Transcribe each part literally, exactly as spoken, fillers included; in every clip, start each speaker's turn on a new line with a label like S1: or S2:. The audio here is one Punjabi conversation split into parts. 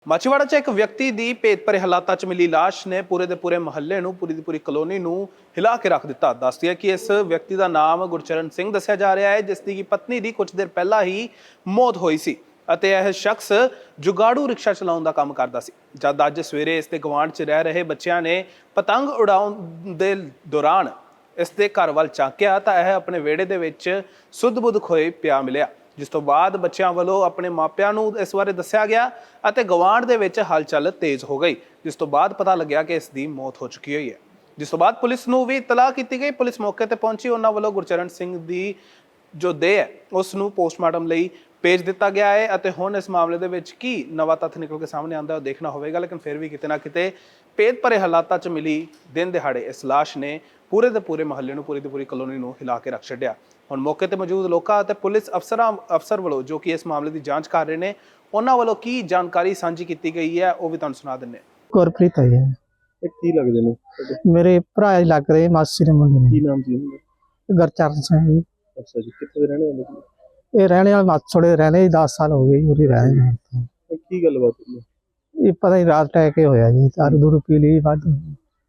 S1: ਮਾਚੀਵਾੜਾ 'ਚ ਇੱਕ ਵਿਅਕਤੀ ਦੀ ਭੇਤ ਭਰੇ ਹਾਲਾਤਾਂ 'ਚ ਮਿਲੀ ਲਾਸ਼ ਨੇ ਪੂਰੇ ਦੇ ਪੂਰੇ ਮਹੱਲੇ ਨੂੰ ਪੂਰੀ ਦੀ ਪੂਰੀ ਕਲੋਨੀ ਨੂੰ ਹਿਲਾ ਕੇ ਰੱਖ ਦਿੱਤਾ। ਦੱਸਦੀ ਹੈ ਕਿ ਇਸ ਵਿਅਕਤੀ ਦਾ ਨਾਮ ਗੁਰਚਰਨ ਸਿੰਘ ਦੱਸਿਆ ਜਾ ਰਿਹਾ ਹੈ, ਜਿਸ ਦੀ ਕਿ ਪਤਨੀ ਦੀ ਕੁਝ ਦੇਰ ਪਹਿਲਾਂ ਹੀ ਮੌਤ ਹੋਈ ਸੀ ਅਤੇ ਇਹ ਸ਼ਖਸ ਜੁਗਾੜੂ ਰਿਕਸ਼ਾ ਚਲਾਉਣ ਦਾ ਕੰਮ ਕਰਦਾ ਸੀ। ਜਦ ਅੱਜ ਸਵੇਰੇ ਇਸ ਦੇ ਗਵਾਂਢ 'ਚ ਰਹਿ ਰਹੇ ਬੱਚਿਆਂ ਨੇ ਪਤੰਗ ਉਡਾਉਣ ਦੇ ਦੌਰਾਨ ਇਸ ਦੇ ਘਰ ਵੱਲ ਝਾਕਿਆ ਤਾਂ ਇਹ ਆਪਣੇ ਵਿਹੜੇ ਦੇ ਵਿੱਚ ਸੁੱਧ-ਬੁੱਧ ਖੋਏ ਪਿਆ ਮਿਲਿਆ, ਜਿਸ ਤੋਂ ਬਾਅਦ ਬੱਚਿਆਂ ਵੱਲੋਂ ਆਪਣੇ ਮਾਪਿਆਂ ਨੂੰ ਇਸ ਬਾਰੇ ਦੱਸਿਆ ਗਿਆ ਅਤੇ ਗਵਾਂਢ ਦੇ ਵਿੱਚ ਹਲਚਲ ਤੇਜ਼ ਹੋ ਗਈ, ਜਿਸ ਤੋਂ ਬਾਅਦ ਪਤਾ ਲੱਗਿਆ ਕਿ ਇਸ ਦੀ ਮੌਤ ਹੋ ਚੁੱਕੀ ਹੋਈ ਹੈ। ਜਿਸ ਤੋਂ ਬਾਅਦ ਪੁਲਿਸ ਨੂੰ ਵੀ ਇਤਲਾਹ ਕੀਤੀ ਗਈ। ਪੁਲਿਸ ਮੌਕੇ ਤੇ ਪਹੁੰਚੀ। ਉਹਨਾਂ ਵੱਲੋਂ ਗੁਰਚਰਨ ਸਿੰਘ ਦੀ ਜੋ ਦੇਹ ਹੈ ਉਸ ਨੂੰ ਪੋਸਟਮਾਰਟਮ ਲਈ ਭੇਜ ਦਿੱਤਾ ਗਿਆ ਹੈ ਅਤੇ ਹੁਣ ਇਸ ਮਾਮਲੇ ਦੇ ਵਿੱਚ ਕੀ ਨਵਾਂ ਤੱਥ ਨਿਕਲ ਕੇ ਸਾਹਮਣੇ ਆਉਂਦਾ ਉਹ ਦੇਖਣਾ ਹੋਵੇਗਾ। ਲੇਕਿਨ ਫਿਰ ਵੀ ਕਿਤੇ ਨਾ ਕਿਤੇ ਭੇਤ ਭਰੇ ਹਾਲਾਤਾਂ 'ਚ ਮਿਲੀ ਦਿਨ ਦਿਹਾੜੇ ਇਸ ਲਾਸ਼ ਨੇ ਪੂਰੇ ਦੇ ਪੂਰੇ ਮਹੱਲੇ ਨੂੰ ਪੂਰੀ ਦੀ ਪੂਰੀ ਕਲੋਨੀ ਨੂੰ ਹਿਲਾ ਕੇ ਰੱਖ ਛੱਡਿਆ। ਹੁਣ ਮੌਕੇ ਤੇ ਮੌਜੂਦ ਲੋਕਾਂ ਅਤੇ ਪੁਲਿਸ ਅਫਸਰਾਂ ਅਫਸਰ ਵੱਲੋਂ ਜੋ ਕਿ ਇਸ ਮਾਮਲੇ ਦੀ ਜਾਂਚ ਕਰ ਰਹੇ ਨੇ, ਉਹਨਾਂ ਵੱਲੋਂ ਕੀ ਜਾਣਕਾਰੀ ਸਾਂਝੀ ਕੀਤੀ ਗਈ ਹੈ ਉਹ ਵੀ ਤੁਹਾਨੂੰ ਸੁਣਾ ਦਿੰਦੇ ਹਾਂ।
S2: ਗੁਰਪ੍ਰੀਤ ਹੈ ਜੀ।
S3: ਇਹ ਕੀ ਲੱਗਦੇ ਨੇ
S2: ਮੇਰੇ ਭਰਾ ਹੀ ਲੱਗ ਰਹੇ, ਮਾਸੀ ਦੇ ਮੁੰਡੇ ਨੇ।
S3: ਕੀ ਨਾਮ ਸੀ ਉਹਨਾਂ ਦਾ?
S2: ਗੁਰਚਰਨ ਸਿੰਘ ਜੀ।
S3: ਅੱਛਾ ਜੀ, ਕਿੱਥੇ ਦੇ ਰਹਿਣੇ ਵਾਲੇ ਸੀ?
S2: ਇਹ ਰਹਿਣੇ ਵਾਲੇ ਮਾਛੋੜੇ ਰਹਿਣੇ ਦਸ ਸਾਲ ਹੋ ਗਏ ਜੀ, ਉਰੇ ਰਹਿ ਰਹੇ ਨੇ।
S3: ਇਹ ਕੀ ਗੱਲਬਾਤ ਹੋਈ ਹੈ?
S2: ਇਹ ਪਤਾ ਨਹੀਂ ਰਾਤ ਟੈ ਕੇ ਹੋਇਆ ਜੀ, ਦਾਰੂ ਦੂਰੂ ਪੀ ਲਈ ਵੱਧ।
S3: ਹੂੰ,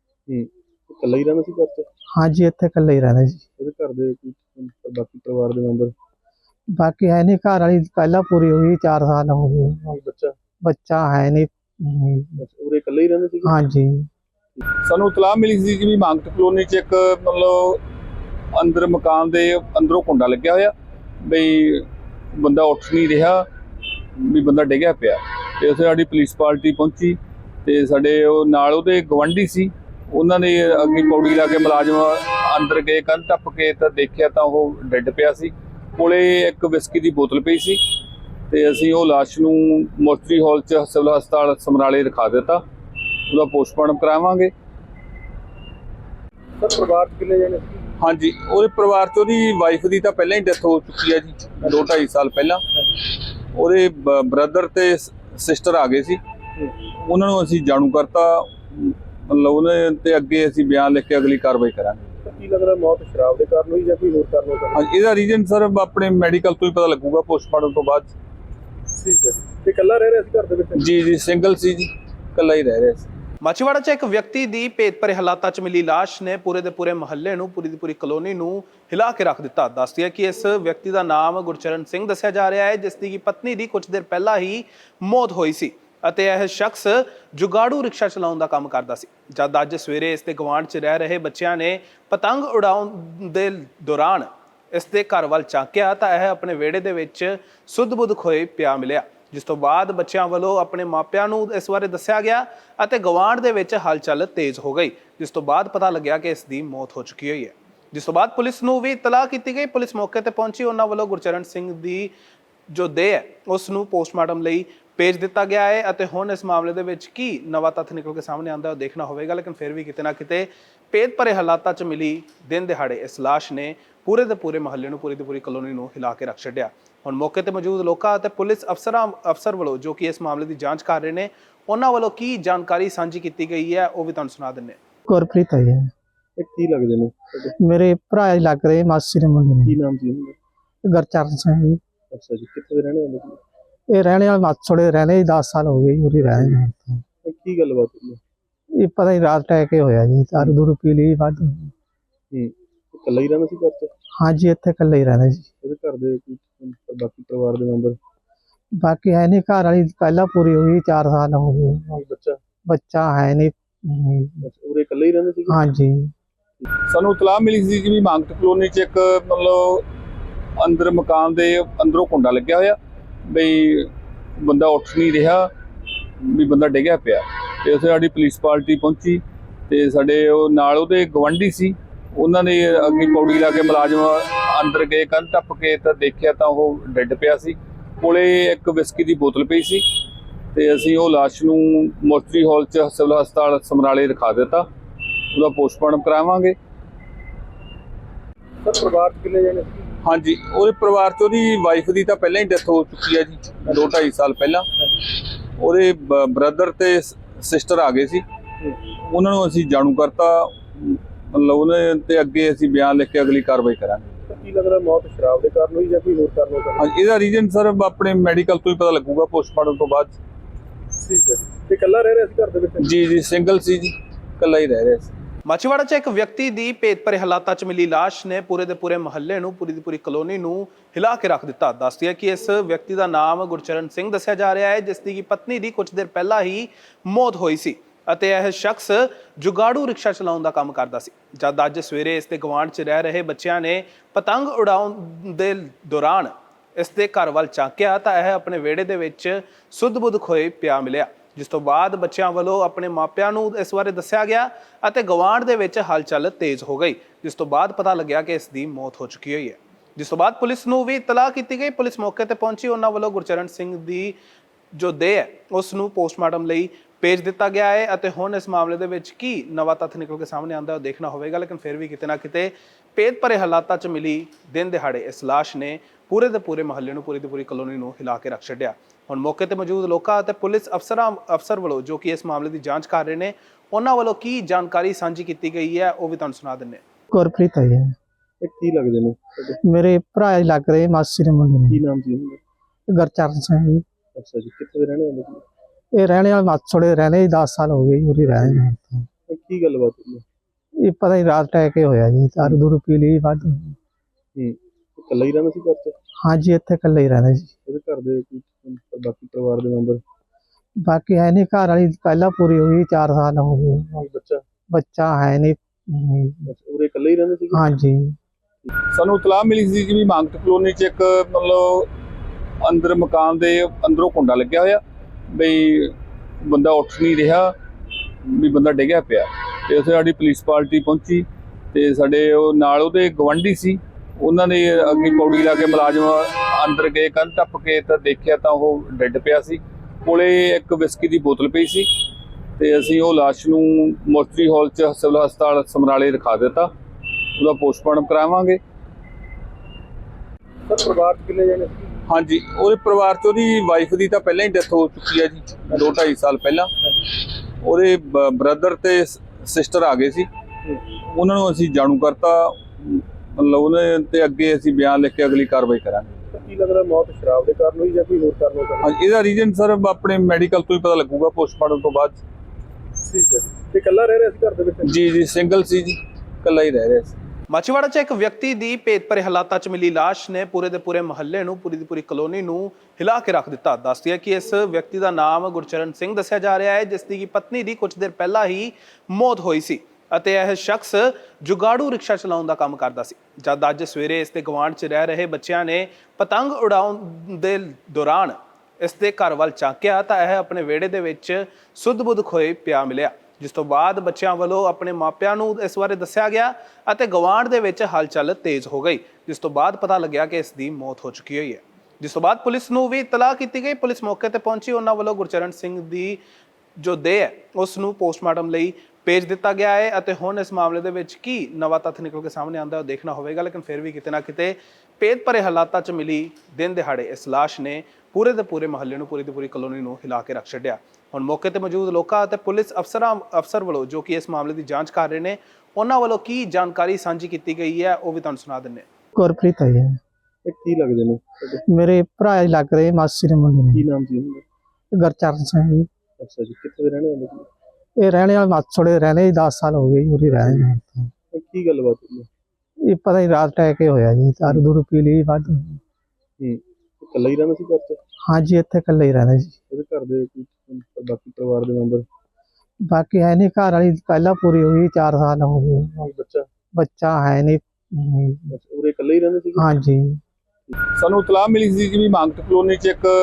S3: ਇਕੱਲਾ ਹੀ ਰਹਿੰਦਾ ਸੀ ਘਰ 'ਚ?
S2: ਹਾਂਜੀ, ਇੱਥੇ ਇਕੱਲੇ ਹੀ ਰਹਿੰਦੇ ਜੀ।
S3: ਇਹਦੇ ਘਰ ਦੇ ਬਾਕੀ ਪਰਿਵਾਰ ਦੇ ਮੈਂਬਰ?
S2: ਬਾਕੀ ਹੈ ਨਹੀਂ, ਘਰ ਵਾਲੀ ਪਹਿਲਾਂ ਪੂਰੀ ਹੋ ਗਈ, ਚਾਰ ਸਾਲ ਹੋ ਗਏ।
S3: ਬੱਚਾ
S2: ਬੱਚਾ ਹੈ ਨਹੀਂ।
S3: ਉਰੇ ਇਕੱਲੇ ਹੀ ਰਹਿੰਦੇ ਸੀ?
S2: ਹਾਂਜੀ।
S4: ਸਾਨੂੰ ਇਤਲਾਹ ਮਿਲੀ ਸੀ ਕਿ ਵੀ ਮੰਗਤ ਕਲੋਨੀ 'ਚ ਇੱਕ ਮਤਲਬ ਅੰਦਰ ਮਕਾਨ ਦੇ ਅੰਦਰੋਂ ਕੁੰਡਾ ਲੱਗਿਆ ਹੋਇਆ, ਬਈ ਬੰਦਾ ਉੱਠ ਨਹੀਂ ਰਿਹਾ, ਵੀ ਬੰਦਾ ਡਿੱਗਿਆ ਪਿਆ। ਤੇ ਉੱਥੇ ਸਾਡੀ ਪੁਲਿਸ ਪਾਰਟੀ ਪਹੁੰਚੀ ਤੇ ਸਾਡੇ ਉਹ ਨਾਲ ਉਹਦੇ ਗਵਾਂਢੀ ਸੀ, ਉਹਨਾਂ ਨੇ ਅੱਗੇ ਪੌੜੀ ਲਾ ਕੇ ਮੁਲਾਜ਼ਮ ਅੰਦਰ ਗਏ, ਕੰਧ ਟੱਪ ਕੇ ਤਾਂ ਦੇਖਿਆ ਤਾਂ ਉਹ ਡੈੱਡ ਪਿਆ ਸੀ। ਕੋਲੇ ਇੱਕ ਵਿਸਕੀ ਦੀ ਬੋਤਲ ਪਈ ਸੀ ਤੇ ਅਸੀਂ ਉਹ ਲਾਸ਼ ਨੂੰ ਮੋਰਚਰੀ ਹਾਲ 'ਚ ਸਿਵਲ ਹਸਪਤਾਲ ਸਮਰਾਲੇ ਰਖਾ ਦਿੱਤਾ। ਉਹਦਾ ਪੋਸਟਮਾਰਟਮ ਕਰਾਵਾਂਗੇ।
S3: ਸਰ, ਪਰਿਵਾਰ 'ਚ ਕਿੰਨੇ ਜਣੇ ਸੀ?
S4: ਹਾਂਜੀ, ਉਹਦੇ ਪਰਿਵਾਰ 'ਚ ਉਹਦੀ ਵਾਈਫ ਦੀ ਤਾਂ ਪਹਿਲਾਂ ਹੀ ਡੈਥ ਹੋ ਚੁੱਕੀ ਹੈ ਜੀ, ਦੋ ਢਾਈ ਸਾਲ ਪਹਿਲਾਂ। ਉਹਦੇ ਬ੍ਰਦਰ ਤੇ ਸਿਸਟਰ ਆ ਗਏ ਸੀ, ਉਹਨਾਂ ਨੂੰ ਅਸੀਂ ਜਾਣੂ ਕਰਤਾ, ਮਤਲਬ ਉਹਨੇ ਤੇ ਅੱਗੇ ਅਸੀਂ ਬਿਆਨ ਲਿਖ ਕੇ ਅਗਲੀ ਕਾਰਵਾਈ ਕਰਾਂਗੇ।
S3: ਕੀ ਲੱਗਦਾ ਮੌਤ ਸ਼ਰਾਬ ਦੇ ਕਾਰਨ ਹੋਈ ਜਾਂ ਕੋਈ ਹੋਰ ਕਾਰਨ ਹੋ ਸਕਦਾ?
S4: ਹਾਂਜੀ, ਇਹਦਾ ਰੀਜ਼ਨ ਸਰ ਆਪਣੇ ਮੈਡੀਕਲ ਤੋਂ ਹੀ ਪਤਾ ਲੱਗੂਗਾ, ਪੋਸਟਮਾਰਟਮ ਤੋਂ ਬਾਅਦ।
S3: ਠੀਕ ਹੈ ਜੀ। ਤੇ ਇਕੱਲਾ ਰਹਿ ਰਿਹਾ ਸੀ ਘਰ ਦੇ ਵਿੱਚ?
S4: ਜੀ ਜੀ, ਸਿੰਗਲ ਸੀ ਜੀ, ਇਕੱਲਾ ਹੀ ਰਹਿ ਰਿਹਾ ਸੀ।
S1: ਮਾਚੀਵਾੜਾ 'ਚ ਇੱਕ ਵਿਅਕਤੀ ਦੀ ਭੇਤ ਭਰੇ ਹਾਲਾਤਾਂ 'ਚ ਮਿਲੀ ਲਾਸ਼ ਨੇ ਪੂਰੇ ਦੇ ਪੂਰੇ ਮਹੱਲੇ ਨੂੰ ਪੂਰੀ ਦੀ ਪੂਰੀ ਕਲੋਨੀ ਨੂੰ ਹਿਲਾ ਕੇ ਰੱਖ ਦਿੱਤਾ। ਦੱਸਦੀ ਹੈ ਕਿ ਇਸ ਵਿਅਕਤੀ ਦਾ ਨਾਮ ਗੁਰਚਰਨ ਸਿੰਘ ਦੱਸਿਆ ਜਾ ਰਿਹਾ ਹੈ, ਜਿਸ ਦੀ ਕਿ ਪਤਨੀ ਦੀ ਕੁਝ ਦੇਰ ਪਹਿਲਾਂ ਹੀ ਮੌਤ ਹੋਈ ਸੀ ਅਤੇ ਇਹ ਸ਼ਖਸ ਜੁਗਾੜੂ ਰਿਕਸ਼ਾ ਚਲਾਉਣ ਦਾ ਕੰਮ ਕਰਦਾ ਸੀ। ਜਦ ਅੱਜ ਸਵੇਰੇ ਇਸ ਦੇ ਗਵਾਂਢ 'ਚ ਰਹਿ ਰਹੇ ਬੱਚਿਆਂ ਨੇ ਪਤੰਗ ਉਡਾਉਣ ਦੇ ਦੌਰਾਨ ਇਸ ਦੇ ਘਰ ਵੱਲ ਝਾਕਿਆ ਤਾਂ ਇਹ ਆਪਣੇ ਵਿਹੜੇ ਦੇ ਵਿੱਚ ਸੁੱਧ-ਬੁੱਧ ਖੋਏ ਪਿਆ ਮਿਲਿਆ, ਜਿਸ ਤੋਂ ਬਾਅਦ ਬੱਚਿਆਂ ਵੱਲੋਂ ਆਪਣੇ ਮਾਪਿਆਂ ਨੂੰ ਇਸ ਬਾਰੇ ਦੱਸਿਆ ਗਿਆ ਅਤੇ ਗਵਾਂਢ ਦੇ ਵਿੱਚ ਹਲਚਲ ਤੇਜ਼ ਹੋ ਗਈ, ਜਿਸ ਤੋਂ ਬਾਅਦ ਪਤਾ ਲੱਗਿਆ ਕਿ ਇਸ ਦੀ ਮੌਤ ਹੋ ਚੁੱਕੀ ਹੋਈ ਹੈ। ਜਿਸ ਤੋਂ ਬਾਅਦ ਪੁਲਿਸ ਨੂੰ ਵੀ ਇਤਲਾਹ ਕੀਤੀ ਗਈ। ਪੁਲਿਸ ਮੌਕੇ ਤੇ ਪਹੁੰਚੀ। ਉਹਨਾਂ ਵੱਲੋਂ ਗੁਰਚਰਨ ਸਿੰਘ ਦੀ ਜੋ ਦੇਹ ਹੈ ਉਸ ਨੂੰ ਪੋਸਟਮਾਰਟਮ ਲਈ ਭੇਜ ਦਿੱਤਾ ਗਿਆ ਹੈ ਅਤੇ ਹੁਣ ਇਸ ਮਾਮਲੇ ਦੇ ਵਿੱਚ ਕੀ ਨਵਾਂ ਤੱਥ ਨਿਕਲ ਕੇ ਸਾਹਮਣੇ ਆਉਂਦਾ ਉਹ ਦੇਖਣਾ ਹੋਵੇਗਾ। ਲੇਕਿਨ ਫਿਰ ਵੀ ਕਿਤੇ ਨਾ ਕਿਤੇ ਭੇਤ ਭਰੇ ਹਾਲਾਤਾਂ 'ਚ ਮਿਲੀ ਦਿਨ ਦਿਹਾੜੇ ਇਸ ਲਾਸ਼ ਨੇ ਪੂਰੇ ਦੇ ਪੂਰੇ ਮਹੱਲੇ ਨੂੰ ਪੂਰੀ ਦੀ ਪੂਰੀ ਕਲੋਨੀ ਨੂੰ ਹਿਲਾ ਕੇ ਰੱਖ ਛੱਡਿਆ। ਹੁਣ ਮੌਕੇ ਤੇ ਮੌਜੂਦ ਲੋਕਾਂ ਅਤੇ ਪੁਲਿਸ ਅਫਸਰਾਂ ਅਫਸਰ ਵੱਲੋਂ ਜੋ ਕਿ ਇਸ ਮਾਮਲੇ ਦੀ ਜਾਂਚ ਕਰ ਰਹੇ ਨੇ, ਉਹਨਾਂ ਵੱਲੋਂ ਕੀ ਜਾਣਕਾਰੀ ਸਾਂਝੀ ਕੀਤੀ ਗਈ ਹੈ ਉਹ ਵੀ ਤੁਹਾਨੂੰ ਸੁਣਾ ਦਿੰਦੇ ਹਾਂ।
S2: ਗੁਰਪ੍ਰੀਤ ਹੈ ਜੀ।
S3: ਇਹ ਕੀ ਲੱਗਦੇ ਨੇ?
S2: ਮੇਰੇ ਭਰਾ ਹੀ ਲੱਗ ਰਹੇ, ਮਾਸੀ ਦੇ ਮੁੰਡੇ ਨੇ।
S3: ਕੀ ਨਾਮ ਸੀ ਉਹਨਾਂ ਦਾ?
S2: ਗੁਰਚਰਨ ਸਿੰਘ ਜੀ।
S3: ਅੱਛਾ ਜੀ, ਕਿੱਥੇ ਦੇ ਰਹਿਣੇ ਵਾਲੇ ਸੀ?
S2: ਇਹ ਰਹਿਣੇ ਵਾਲੇ ਮਾਛੋੜੇ ਰਹਿਣੇ ਜੀ, ਦਸ ਸਾਲ ਹੋ ਗਏ ਜੀ, ਉਰੇ ਰਹਿ ਰਹੇ ਨੇ।
S3: ਇਹ ਕੀ ਗੱਲਬਾਤ ਹੋਈ ਹੈ?
S2: ਇਹ ਪਤਾ ਨਹੀਂ ਰਾਤ ਟੈ ਕੇ ਹੋਇਆ ਜੀ, ਦਾਰੂ ਦੂਰੂ ਪੀ ਲਈ ਵੱਧ।
S3: ਹੂੰ, ਇਕੱਲਾ ਹੀ ਰਹਿੰਦਾ ਸੀ ਘਰ 'ਚ?
S2: ਹਾਂਜੀ, ਇੱਥੇ ਇਕੱਲੇ ਹੀ ਰਹਿੰਦੇ ਜੀ।
S3: ਇਹਦੇ ਘਰ ਦੇ ਬਾਕੀ ਪਰਿਵਾਰ ਦੇ ਮੈਂਬਰ?
S2: ਬਾਕੀ ਹੈ ਨਹੀਂ, ਘਰ ਵਾਲੀ ਪਹਿਲਾਂ ਪੂਰੀ ਹੋ ਗਈ, ਚਾਰ ਸਾਲ ਹੋ ਗਏ।
S3: ਬੱਚਾ
S2: ਬੱਚਾ ਹੈ ਨਹੀਂ।
S3: ਉਰੇ ਇਕੱਲੇ ਹੀ ਰਹਿੰਦੇ ਸੀ?
S2: ਹਾਂਜੀ।
S4: ਸਾਨੂੰ ਇਤਲਾਹ ਮਿਲੀ ਸੀ ਕਿ ਵੀ ਮੰਗਤ ਕਲੋਨੀ 'ਚ ਇੱਕ ਮਤਲਬ ਅੰਦਰ ਮਕਾਨ ਦੇ ਅੰਦਰੋਂ ਕੁੰਡਾ ਲੱਗਿਆ ਹੋਇਆ, ਬਈ ਬੰਦਾ ਉੱਠ ਨਹੀਂ ਰਿਹਾ, ਵੀ ਬੰਦਾ ਡਿੱਗਿਆ ਪਿਆ। ਤੇ ਉੱਥੇ ਸਾਡੀ ਪੁਲਿਸ ਪਾਰਟੀ ਪਹੁੰਚੀ ਤੇ ਸਾਡੇ ਉਹ ਨਾਲ ਉਹਦੇ ਗਵਾਂਢੀ ਸੀ, ਉਹਨਾਂ ਨੇ ਅੱਗੇ ਪੌੜੀ ਲਾ ਕੇ ਮੁਲਾਜ਼ਮ ਅੰਦਰ ਗਏ, ਕੰਧ ਟੱਪ ਕੇ ਤਾਂ ਦੇਖਿਆ ਤਾਂ ਉਹ ਡੈੱਡ ਪਿਆ ਸੀ। ਕੋਲੇ ਇੱਕ ਵਿਸਕੀ ਦੀ ਬੋਤਲ ਪਈ ਸੀ ਤੇ ਅਸੀਂ ਉਹ ਲਾਸ਼ ਨੂੰ ਮੋਰਚਰੀ ਹਾਲ 'ਚ ਸਿਵਲ ਹਸਪਤਾਲ ਸਮਰਾਲੇ ਰਖਾ ਦਿੱਤਾ। ਉਹਦਾ ਪੋਸਟਮਾਰਟਮ ਕਰਾਵਾਂਗੇ।
S3: ਸਰ, ਪਰਿਵਾਰ 'ਚ ਕਿੰਨੇ ਜਣੇ ਸੀ?
S4: ਹਾਂਜੀ, ਉਹਦੇ ਪਰਿਵਾਰ 'ਚ ਉਹਦੀ ਵਾਈਫ ਦੀ ਤਾਂ ਪਹਿਲਾਂ ਹੀ ਡੈਥ ਹੋ ਚੁੱਕੀ ਹੈ ਜੀ, ਦੋ ਢਾਈ ਸਾਲ ਪਹਿਲਾਂ। ਉਹਦੇ ਬ੍ਰਦਰ ਤੇ ਸਿਸਟਰ ਆ ਗਏ ਸੀ, ਉਹਨਾਂ ਨੂੰ ਅਸੀਂ ਜਾਣੂ ਕਰਤਾ, ਮਤਲਬ ਉਹਨੇ ਤੇ ਅੱਗੇ ਅਸੀਂ ਬਿਆਨ ਲਿਖ ਕੇ ਅਗਲੀ ਕਾਰਵਾਈ ਕਰਾਂਗੇ।
S3: ਕੀ ਲੱਗਦਾ ਮੌਤ ਸ਼ਰਾਬ ਦੇ ਕਾਰਨ ਹੋਈ ਜਾਂ ਕੋਈ ਹੋਰ ਕਾਰਨ ਹੋ ਸਕਦਾ?
S4: ਹਾਂਜੀ, ਇਹਦਾ ਰੀਜ਼ਨ ਸਰ ਆਪਣੇ ਮੈਡੀਕਲ ਤੋਂ ਹੀ ਪਤਾ ਲੱਗੂਗਾ, ਪੋਸਟਮਾਰਟਮ ਤੋਂ ਬਾਅਦ।
S3: ਠੀਕ ਹੈ ਜੀ ਤੇ ਇਕੱਲਾ ਰਹਿ ਰਿਹਾ ਸੀ ਘਰ ਦੇ ਵਿੱਚ?
S4: ਜੀ ਜੀ ਸਿੰਗਲ ਸੀ ਜੀ, ਇਕੱਲਾ ਹੀ ਰਹਿ ਰਿਹਾ ਸੀ।
S1: ਮਾਚੀਵਾੜਾ 'ਚ ਇੱਕ ਵਿਅਕਤੀ ਦੀ ਭੇਤ ਭਰੇ ਹਾਲਾਤਾਂ 'ਚ ਮਿਲੀ ਲਾਸ਼ ਨੇ ਪੂਰੇ ਦੇ ਪੂਰੇ ਮਹੱਲੇ ਨੂੰ, ਪੂਰੀ ਦੀ ਪੂਰੀ ਕਲੋਨੀ ਨੂੰ ਹਿਲਾ ਕੇ ਰੱਖ ਦਿੱਤਾ। ਦੱਸਦੀ ਹੈ ਕਿ ਇਸ ਵਿਅਕਤੀ ਦਾ ਨਾਮ ਗੁਰਚਰਨ ਸਿੰਘ ਦੱਸਿਆ ਜਾ ਰਿਹਾ ਹੈ, ਜਿਸ ਦੀ ਕਿ ਪਤਨੀ ਦੀ ਕੁਝ ਦੇਰ ਪਹਿਲਾਂ ਹੀ ਮੌਤ ਹੋਈ ਸੀ ਅਤੇ ਇਹ ਸ਼ਖਸ ਜੁਗਾੜੂ ਰਿਕਸ਼ਾ ਚਲਾਉਣ ਦਾ ਕੰਮ ਕਰਦਾ ਸੀ। ਜਦ ਅੱਜ ਸਵੇਰੇ ਇਸ ਦੇ ਗਵਾਂਢ 'ਚ ਰਹਿ ਰਹੇ ਬੱਚਿਆਂ ਨੇ ਪਤੰਗ ਉਡਾਉਣ ਦੇ ਦੌਰਾਨ ਇਸ ਦੇ ਘਰ ਵੱਲ ਝਾਕਿਆ ਤਾਂ ਇਹ ਆਪਣੇ ਵਿਹੜੇ ਦੇ ਵਿੱਚ ਸੁੱਧ-ਬੁੱਧ ਖੋਏ ਪਿਆ ਮਿਲਿਆ, ਜਿਸ ਤੋਂ ਬਾਅਦ ਬੱਚਿਆਂ ਵੱਲੋਂ ਆਪਣੇ ਮਾਪਿਆਂ ਨੂੰ ਇਸ ਬਾਰੇ ਦੱਸਿਆ ਗਿਆ ਅਤੇ ਗਵਾਂਢ ਦੇ ਵਿੱਚ ਹਲਚਲ ਤੇਜ਼ ਹੋ ਗਈ, ਜਿਸ ਤੋਂ ਬਾਅਦ ਪਤਾ ਲੱਗਿਆ ਕਿ ਇਸ ਦੀ ਮੌਤ ਹੋ ਚੁੱਕੀ ਹੋਈ ਹੈ। ਜਿਸ ਤੋਂ ਬਾਅਦ ਪੁਲਿਸ ਨੂੰ ਵੀ ਇਤਲਾਹ ਕੀਤੀ ਗਈ। ਪੁਲਿਸ ਮੌਕੇ ਤੇ ਪਹੁੰਚੀ। ਉਹਨਾਂ ਵੱਲੋਂ ਗੁਰਚਰਨ ਸਿੰਘ ਦੀ ਜੋ ਦੇਹ ਹੈ ਉਸ ਨੂੰ ਪੋਸਟਮਾਰਟਮ ਲਈ ਭੇਜ ਦਿੱਤਾ ਗਿਆ ਹੈ ਅਤੇ ਹੁਣ ਇਸ ਮਾਮਲੇ ਦੇ ਵਿੱਚ ਕੀ ਨਵਾਂ ਤੱਥ ਨਿਕਲ ਕੇ ਸਾਹਮਣੇ ਆਉਂਦਾ ਉਹ ਦੇਖਣਾ ਹੋਵੇਗਾ। ਲੇਕਿਨ ਫਿਰ ਵੀ ਕਿਤੇ ਨਾ ਕਿਤੇ ਭੇਤ ਭਰੇ ਹਾਲਾਤਾਂ 'ਚ ਮਿਲੀ ਦਿਨ ਦਿਹਾੜੇ ਇਸ ਲਾਸ਼ ਨੇ ਪੂਰੇ ਦੇ ਪੂਰੇ ਮਹੱਲੇ ਨੂੰ, ਪੂਰੀ ਦੀ ਪੂਰੀ ਕਲੋਨੀ ਨੂੰ ਹਿਲਾ ਕੇ ਰੱਖ ਛੱਡਿਆ। ਹੁਣ ਮੌਕੇ ਤੇ ਮੌਜੂਦ ਲੋਕਾਂ ਅਤੇ ਪੁਲਿਸ ਅਫਸਰਾਂ ਅਫਸਰ ਵੱਲੋਂ ਜੋ ਕਿ ਇਸ ਮਾਮਲੇ ਦੀ ਜਾਂਚ ਕਰ ਰਹੇ ਨੇ, ਉਹਨਾਂ ਵੱਲੋਂ ਕੀ ਜਾਣਕਾਰੀ ਸਾਂਝੀ ਕੀਤੀ ਗਈ ਹੈ ਉਹ ਵੀ ਤੁਹਾਨੂੰ ਸੁਣਾ ਦਿੰਦੇ ਹਾਂ।
S2: ਗੁਰਪ੍ਰੀਤ ਹੈ ਜੀ।
S3: ਇਹ ਕੀ ਲੱਗਦੇ ਨੇ ਤੁਹਾਡੇ?
S2: ਮੇਰੇ ਭਰਾ ਹੀ ਲੱਗ ਰਹੇ, ਮਾਸੀ ਦੇ ਮੁੰਡੇ
S3: ਕੀ
S2: ਨੇ।
S3: ਨਾਮ ਸੀ ਉਹਨਾਂ ਦਾ?
S2: ਗੁਰਚਰਨ ਸਿੰਘ ਜੀ।
S3: ਅੱਛਾ ਜੀ, ਕਿੱਥੇ ਦੇ ਰਹਿਣੇ ਵਾਲੇ ਸੀ?
S2: ਇਹ ਰਹਿਣੇ ਵਾਲੇ ਮਾਛੋੜੇ ਰਹਿਣੇ ਹੀ ਦਸ ਸਾਲ ਹੋ ਗਏ ਜੀ, ਉਰੀ ਰਹਿ ਰਹੇ ਨੇ।
S3: ਇਹ ਕੀ ਗੱਲਬਾਤ ਹੋਈ ਹੈ?
S2: ਇਹ ਪਤਾ ਨਹੀਂ ਰਾਤ ਟੈਕ ਹੀ ਹੋਇਆ ਜੀ, ਦਾਰੂ ਦੂਰੂ ਪੀ ਲਈ ਵੱਧ।
S3: ਹੂੰ, ਇਕੱਲਾ ਹੀ ਰਹਿੰਦਾ ਸੀ ਘਰ 'ਚ?
S2: ਹਾਂਜੀ, ਇੱਥੇ ਇਕੱਲੇ ਹੀ ਰਹਿੰਦੇ ਜੀ।
S3: ਇਹਦੇ ਘਰ ਦੇ ਕੋਈ ਬਾਕੀ ਪਰਿਵਾਰ ਦੇ ਮੈਂਬਰ?
S2: ਬਾਕੀ ਹੈ ਨਹੀਂ, ਘਰ ਵਾਲੀ ਪਹਿਲਾਂ ਪੂਰੀ ਹੋਈ, ਚਾਰ ਸਾਲ ਹੋ ਗਏ।
S3: ਕੋਈ ਬੱਚਾ?
S2: ਬੱਚਾ ਹੈ ਨਹੀਂ।
S3: ਅੱਛਾ, ਉਰੇ ਇਕੱਲੇ ਹੀ ਰਹਿੰਦੇ ਸੀ?
S2: ਹਾਂਜੀ।
S4: ਸਾਨੂੰ ਇਤਲਾਹ ਮਿਲੀ ਸੀ ਕਿ ਵੀ ਮੰਗਤ ਕਲੋਨੀ 'ਚ ਇੱਕ ਮਤਲਬ ਅੰਦਰ ਮਕਾਨ ਦੇ ਅੰਦਰੋਂ ਕੁੰਡਾ ਲੱਗਿਆ ਹੋਇਆ, ਬਈ ਬੰਦਾ ਉੱਠ ਨਹੀਂ ਰਿਹਾ, ਵੀ ਬੰਦਾ ਡਿੱਗਿਆ ਪਿਆ। ਤੇ ਉੱਥੇ ਸਾਡੀ ਪੁਲਿਸ ਪਾਰਟੀ ਪਹੁੰਚੀ ਤੇ ਸਾਡੇ ਉਹ ਨਾਲ ਉਹਦੇ ਗਵਾਂਢੀ ਸੀ, ਉਹਨਾਂ ਨੇ ਅੱਗੇ ਪੌੜੀ ਲਾ ਕੇ ਮੁਲਾਜ਼ਮ ਅੰਦਰ ਗਏ, ਕੰਧ ਟੱਪ ਕੇ ਤਾਂ ਦੇਖਿਆ ਤਾਂ ਉਹ ਡੈੱਡ ਪਿਆ ਸੀ। ਕੋਲੇ ਇੱਕ ਵਿਸਕੀ ਦੀ ਬੋਤਲ ਪਈ ਸੀ ਤੇ ਅਸੀਂ ਉਹ ਲਾਸ਼ ਨੂੰ ਮੋਰਚਰੀ ਹਾਲ 'ਚ ਸਿਵਲ ਹਸਪਤਾਲ ਸਮਰਾਲੇ ਰਖਾ ਦਿੱਤਾ। ਉਹਦਾ ਪੋਸਟਮਾਰਟਮ ਕਰਾਵਾਂਗੇ।
S3: ਸਰ, ਪਰਿਵਾਰ 'ਚ ਕਿੰਨੇ ਜਣੇ ਸੀ?
S4: ਹਾਂਜੀ, ਉਹਦੇ ਪਰਿਵਾਰ 'ਚ ਉਹਦੀ ਵਾਈਫ ਦੀ ਤਾਂ ਪਹਿਲਾਂ ਹੀ ਡੈਥ ਹੋ ਚੁੱਕੀ ਹੈ ਜੀ, ਦੋ ਢਾਈ ਸਾਲ ਪਹਿਲਾਂ। ਉਹਦੇ ਬ੍ਰਦਰ ਤੇ ਸਿਸਟਰ ਆ ਗਏ ਸੀ, ਉਹਨਾਂ ਨੂੰ ਅਸੀਂ ਜਾਣੂ ਕਰਤਾ, ਮਤਲਬ ਉਹਨੇ ਤੇ ਅੱਗੇ ਅਸੀਂ ਬਿਆਨ ਲਿਖ ਕੇ ਅਗਲੀ ਕਾਰਵਾਈ ਕਰਾਂਗੇ।
S3: ਕੀ ਲੱਗਦਾ ਮੌਤ ਸ਼ਰਾਬ ਦੇ ਕਾਰਨ ਹੋਈ ਜਾਂ ਕੋਈ ਹੋਰ ਕਾਰਨ ਹੋ ਸਕਦਾ?
S4: ਹਾਂਜੀ, ਇਹਦਾ ਰੀਜ਼ਨ ਸਰ ਆਪਣੇ ਮੈਡੀਕਲ ਤੋਂ ਹੀ ਪਤਾ ਲੱਗੂਗਾ, ਪੋਸਟਮਾਰਟਮ ਤੋਂ ਬਾਅਦ।
S3: ਠੀਕ ਹੈ ਜੀ ਤੇ ਇਕੱਲਾ ਰਹਿ ਰਿਹਾ ਸੀ ਘਰ ਦੇ ਵਿੱਚ?
S4: ਜੀ ਜੀ ਸਿੰਗਲ ਸੀ ਜੀ, ਇਕੱਲਾ ਹੀ ਰਹਿ ਰਿਹਾ ਸੀ।
S1: ਮਾਚੀਵਾੜਾ 'ਚ ਇੱਕ ਵਿਅਕਤੀ ਦੀ ਭੇਤ ਭਰੇ ਹਾਲਾਤਾਂ 'ਚ ਮਿਲੀ ਲਾਸ਼ ਨੇ ਪੂਰੇ ਦੇ ਪੂਰੇ ਮਹੱਲੇ ਨੂੰ, ਪੂਰੀ ਦੀ ਪੂਰੀ ਕਲੋਨੀ ਨੂੰ ਹਿਲਾ ਕੇ ਰੱਖ ਦਿੱਤਾ। ਦੱਸਦੀ ਹੈ ਕਿ ਇਸ ਵਿਅਕਤੀ ਦਾ ਨਾਮ ਗੁਰਚਰਨ ਸਿੰਘ ਦੱਸਿਆ ਜਾ ਰਿਹਾ ਹੈ, ਜਿਸ ਦੀ ਕਿ ਪਤਨੀ ਦੀ ਕੁਝ ਦੇਰ ਪਹਿਲਾਂ ਹੀ ਮੌਤ ਹੋਈ ਸੀ ਅਤੇ ਇਹ ਸ਼ਖਸ ਜੁਗਾੜੂ ਰਿਕਸ਼ਾ ਚਲਾਉਣ ਦਾ ਕੰਮ ਕਰਦਾ ਸੀ। ਜਦ ਅੱਜ ਸਵੇਰੇ ਇਸ ਦੇ ਗਵਾਂਢ 'ਚ ਰਹਿ ਰਹੇ ਬੱਚਿਆਂ ਨੇ ਪਤੰਗ ਉਡਾਉਣ ਦੇ ਦੌਰਾਨ ਇਸ ਦੇ ਘਰ ਵੱਲ ਝਾਕਿਆ ਤਾਂ ਇਹ ਆਪਣੇ ਵਿਹੜੇ ਦੇ ਵਿੱਚ ਸੁੱਧ-ਬੁੱਧ ਖੋਏ ਪਿਆ ਮਿਲਿਆ, ਜਿਸ ਤੋਂ ਬਾਅਦ ਬੱਚਿਆਂ ਵੱਲੋਂ ਆਪਣੇ ਮਾਪਿਆਂ ਨੂੰ ਇਸ ਬਾਰੇ ਦੱਸਿਆ ਗਿਆ ਅਤੇ ਗਵਾਂਢ ਦੇ ਵਿੱਚ ਹਲਚਲ ਤੇਜ਼ ਹੋ ਗਈ, ਜਿਸ ਤੋਂ ਬਾਅਦ ਪਤਾ ਲੱਗਿਆ ਕਿ ਇਸ ਦੀ ਮੌਤ ਹੋ ਚੁੱਕੀ ਹੋਈ ਹੈ। ਜਿਸ ਤੋਂ ਬਾਅਦ ਪੁਲਿਸ ਨੂੰ ਵੀ ਇਤਲਾਹ ਕੀਤੀ ਗਈ। ਪੁਲਿਸ ਮੌਕੇ ਤੇ ਪਹੁੰਚੀ। ਉਹਨਾਂ ਵੱਲੋਂ ਗੁਰਚਰਨ ਸਿੰਘ ਦੀ ਜੋ ਦੇਹ ਹੈ ਉਸ ਨੂੰ ਪੋਸਟਮਾਰਟਮ ਲਈ ਭੇਜ ਦਿੱਤਾ ਗਿਆ ਹੈ ਅਤੇ ਹੁਣ ਇਸ ਮਾਮਲੇ ਦੇ ਵਿੱਚ ਕੀ ਨਵਾਂ ਤੱਥ ਨਿਕਲ ਕੇ ਸਾਹਮਣੇ ਆਉਂਦਾ ਉਹ ਦੇਖਣਾ ਹੋਵੇਗਾ। ਲੇਕਿਨ ਫਿਰ ਵੀ ਕਿਤੇ ਨਾ ਕਿਤੇ ਭੇਤ ਭਰੇ ਹਾਲਾਤਾਂ 'ਚ ਮਿਲੀ ਦਿਨ ਦਿਹਾੜੇ ਇਸ ਲਾਸ਼ ਨੇ ਪੂਰੇ ਦੇ ਪੂਰੇ ਮਹੱਲੇ ਨੂੰ, ਪੂਰੀ ਦੀ ਪੂਰੀ ਕਲੋਨੀ ਨੂੰ ਹਿਲਾ ਕੇ ਰੱਖ ਛੱਡਿਆ। ਹੁਣ ਮੌਕੇ ਤੇ ਮੌਜੂਦ ਲੋਕਾਂ ਅਤੇ ਪੁਲਿਸ ਅਫਸਰਾਂ ਅਫਸਰ ਵੱਲੋਂ ਜੋ ਕਿ ਇਸ ਮਾਮਲੇ ਦੀ ਜਾਂਚ ਕਰ ਰਹੇ ਨੇ, ਉਹਨਾਂ ਵੱਲੋਂ ਕੀ ਜਾਣਕਾਰੀ ਸਾਂਝੀ ਕੀਤੀ ਗਈ ਹੈ ਉਹ ਵੀ ਤੁਹਾਨੂੰ ਸੁਣਾ ਦਿੰਦੇ ਹਾਂ।
S2: ਗੁਰਪ੍ਰੀਤ ਹੈ ਜੀ।
S3: ਇਹ ਕੀ ਲੱਗਦੇ ਨੇ ਤੁਹਾਡੇ?
S2: ਮੇਰੇ ਭਰਾ ਹੀ ਲੱਗ ਰਹੇ, ਮਾਸੀ ਦੇ ਮੁੰਡੇ ਨੇ।
S3: ਕੀ ਨਾਮ ਸੀ ਉਹਨਾਂ ਦਾ?
S2: ਗੁਰਚਰਨ ਸਿੰਘ ਜੀ।
S3: ਅੱਛਾ ਜੀ, ਕਿੱਥੇ ਦੇ ਰਹਿਣੇ ਵਾਲੇ ਸੀ?
S2: ਇਹ ਰਹਿਣੇ ਵਾਲੇ ਮਾਛੋੜੇ ਰਹਿਣੇ ਹੀ ਦਸ ਸਾਲ ਹੋ ਗਏ ਜੀ, ਉਰੀ ਰਹਿ ਰਹੇ ਨੇ।
S3: ਇਹ ਕੀ ਗੱਲਬਾਤ ਹੋਈ ਹੈ?
S2: ਇਹ ਪਤਾ ਨਹੀਂ ਰਾਤ ਟੈਕ ਹੀ ਹੋਇਆ ਜੀ, ਦਾਰੂ ਦੂਰੂ ਪੀ ਲਈ ਵੱਧ।
S3: ਹੂੰ, ਇਕੱਲਾ ਹੀ ਰਹਿੰਦਾ ਸੀ ਘਰ 'ਚ?
S2: ਹਾਂਜੀ, ਇੱਥੇ ਇਕੱਲੇ ਹੀ ਰਹਿੰਦੇ ਜੀ।
S3: ਇਹਦੇ ਘਰ ਦੇ ਕੋਈ ਬਾਕੀ ਪਰਿਵਾਰ ਦੇ ਮੈਂਬਰ?
S2: ਬਾਕੀ ਹੈ ਨਹੀਂ, ਘਰ ਵਾਲੀ ਪਹਿਲਾਂ ਪੂਰੀ ਹੋਈ, ਚਾਰ ਸਾਲ ਹੋ ਗਏ।
S3: ਕੋਈ ਬੱਚਾ?
S2: ਬੱਚਾ ਹੈ ਨਹੀਂ।
S3: ਅੱਛਾ, ਉਰੇ ਇਕੱਲੇ ਹੀ ਰਹਿੰਦੇ ਸੀ?
S2: ਹਾਂਜੀ।
S4: ਸਾਨੂੰ ਇਤਲਾਹ ਮਿਲੀ ਸੀ ਕਿ ਵੀ ਮੰਗਤ ਕਲੋਨੀ 'ਚ ਇੱਕ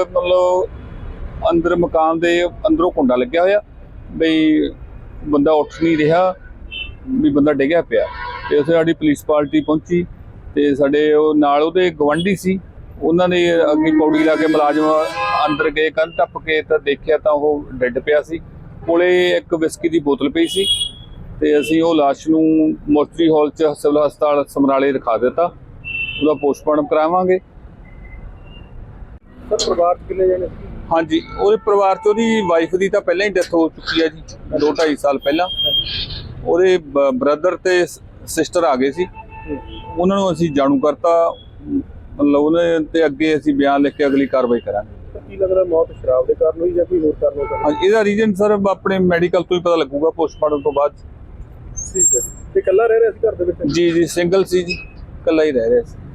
S4: ਮਤਲਬ ਅੰਦਰ ਮਕਾਨ ਦੇ ਅੰਦਰੋਂ ਕੁੰਡਾ ਲੱਗਿਆ ਹੋਇਆ, ਬਈ ਬੰਦਾ ਉੱਠ ਨਹੀਂ ਰਿਹਾ, ਵੀ ਬੰਦਾ ਡਿੱਗਿਆ ਪਿਆ। ਤੇ ਉੱਥੇ ਸਾਡੀ ਪੁਲਿਸ ਪਾਰਟੀ ਪਹੁੰਚੀ ਤੇ ਸਾਡੇ ਉਹ ਨਾਲ ਉਹਦੇ ਗਵਾਂਢੀ ਸੀ, ਉਹਨਾਂ ਨੇ ਅੱਗੇ ਪੌੜੀ ਲਾ ਕੇ ਮੁਲਾਜ਼ਮ ਅੰਦਰ ਗਏ, ਕੰਧ ਟੱਪ ਕੇ ਤਾਂ ਦੇਖਿਆ ਤਾਂ ਉਹ ਡੈੱਡ ਪਿਆ ਸੀ। ਕੋਲੇ ਇੱਕ ਵਿਸਕੀ ਦੀ ਬੋਤਲ ਪਈ ਸੀ ਤੇ ਅਸੀਂ ਉਹ ਲਾਸ਼ ਨੂੰ ਮੋਰਚਰੀ ਹਾਲ 'ਚ ਸਿਵਲ ਹਸਪਤਾਲ ਸਮਰਾਲੇ ਰਖਾ ਦਿੱਤਾ। ਉਹਦਾ ਪੋਸਟਮਾਰਟਮ ਕਰਾਵਾਂਗੇ।
S3: ਸਰ, ਪਰਿਵਾਰ 'ਚ ਕਿੰਨੇ ਜਣੇ ਸੀ?
S4: ਹਾਂਜੀ, ਉਹਦੇ ਪਰਿਵਾਰ 'ਚ ਉਹਦੀ ਵਾਈਫ ਦੀ ਤਾਂ ਪਹਿਲਾਂ ਹੀ ਡੈਥ ਹੋ ਚੁੱਕੀ ਹੈ ਜੀ, ਦੋ ਢਾਈ ਸਾਲ ਪਹਿਲਾਂ। ਉਹਦੇ ਬ੍ਰਦਰ ਤੇ ਸਿਸਟਰ ਆ ਗਏ ਸੀ, ਉਹਨਾਂ ਨੂੰ ਅਸੀਂ ਜਾਣੂ ਕਰਤਾ, ਮਤਲਬ ਉਹਨੇ ਤੇ ਅੱਗੇ ਅਸੀਂ ਬਿਆਨ ਲਿਖ ਕੇ ਅਗਲੀ ਕਾਰਵਾਈ ਕਰਾਂਗੇ।
S3: ਤਾਂ ਕੀ ਲੱਗਦਾ ਮੌਤ ਸ਼ਰਾਬ ਦੇ ਕਾਰਨ ਹੋਈ ਜਾਂ ਕੋਈ ਹੋਰ ਕਾਰਨ ਹੋ ਸਕਦਾ?
S4: ਹਾਂਜੀ, ਇਹਦਾ ਰੀਜਨ ਸਰ ਆਪਣੇ ਮੈਡੀਕਲ ਤੋਂ ਹੀ ਪਤਾ ਲੱਗੂਗਾ ਪੋਸਟਮਾਰਟਮ ਤੋਂ ਬਾਅਦ।
S3: ਠੀਕ ਹੈ ਜੀ। ਤੇ ਇਕੱਲਾ ਰਹਿ ਰਿਹਾ ਸੀ ਘਰ ਦੇ ਵਿੱਚ?
S4: ਜੀ ਜੀ ਸਿੰਗਲ ਸੀ ਜੀ, ਇਕੱਲਾ ਹੀ ਰਹਿ ਰਿਹਾ ਸੀ।